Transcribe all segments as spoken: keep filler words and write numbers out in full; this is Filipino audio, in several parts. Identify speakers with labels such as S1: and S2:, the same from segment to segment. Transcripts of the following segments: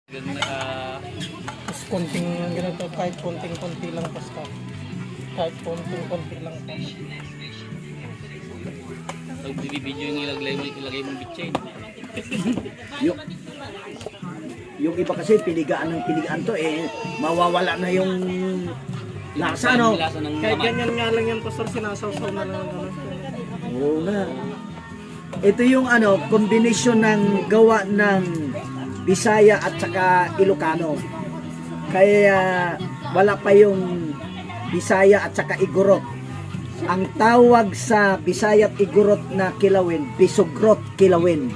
S1: Naka...
S2: Tapos konting ganito, kahit konting-konti lang basta. Kahit konting-konti lang pa.
S1: Pag video yung ilagay mo, ilagay mo bitchin.
S3: Yung, yung iba kasi piligaan ng piligaan to eh, mawawala na yung lasa, no?
S1: Lasa ng
S2: Kahit
S1: laman.
S2: ganyan nga lang yan, pastor, sinasawsaw na lang. Ano.
S3: Oo nga. Ito yung ano, kombinasyon ng gawa ng Bisaya at saka Ilocano. Kaya wala pa yung Bisaya at saka Igorot. Ang tawag sa Bisaya at Igorot na kilawin, Bisugrot kilawin.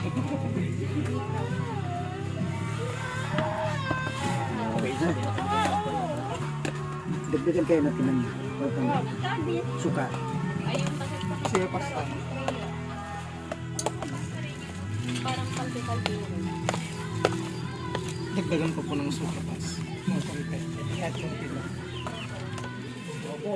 S3: Dagdagan kayo natin ng suka.
S2: Sige, pastor.
S4: Parang kalbi-kalbi.
S2: Dagdagan ko po ng suka, pas. Mga konti. Kahit konti lang. Opo.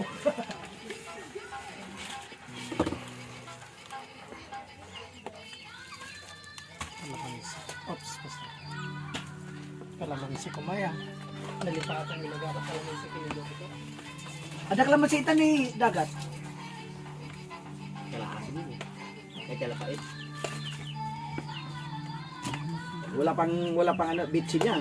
S2: Kalamansi. Ops, pastor. Kalamansi kumaya. Nalipatan yung nagara kalamansi kinilog ito.
S3: Ada kalamansi ni dagat.
S1: Kalahati mo. May kalapait.
S3: Wala pang wala pang ano bitsin yan.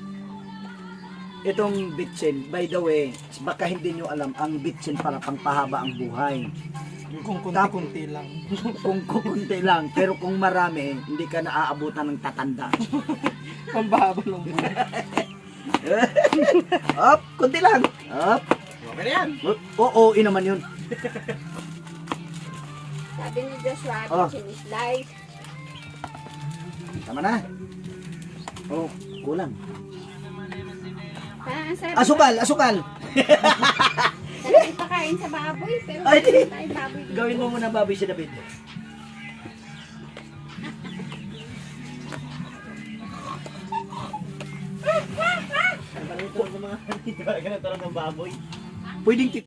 S3: Itong bitsin, by the way, baka hindi nyo alam, ang bitsin para pangpahaba ang buhay.
S2: Kung kunti-kunti lang.
S3: Kung kukunti lang, pero kung marami, hindi ka naaabutan ng tatanda.
S2: Pambahaba ng buhay.
S3: Up, kunti lang. Up.
S1: Okay na yan.
S3: Oo, inaman yun.
S4: Sabi ni Joshua,
S3: Oh.
S4: bitchin is life.
S3: Tama na. Oh, kulang.
S4: Parang ang sarap.
S3: Asukal, asukal.
S4: Sarap ipakain sa baboy, pero
S3: Ay, di.
S4: hindi tayo baboy. dito.
S3: Gawin mo muna baboy si David.
S1: Ang balito ng mga ganito lang ng baboy.
S3: Pwedeng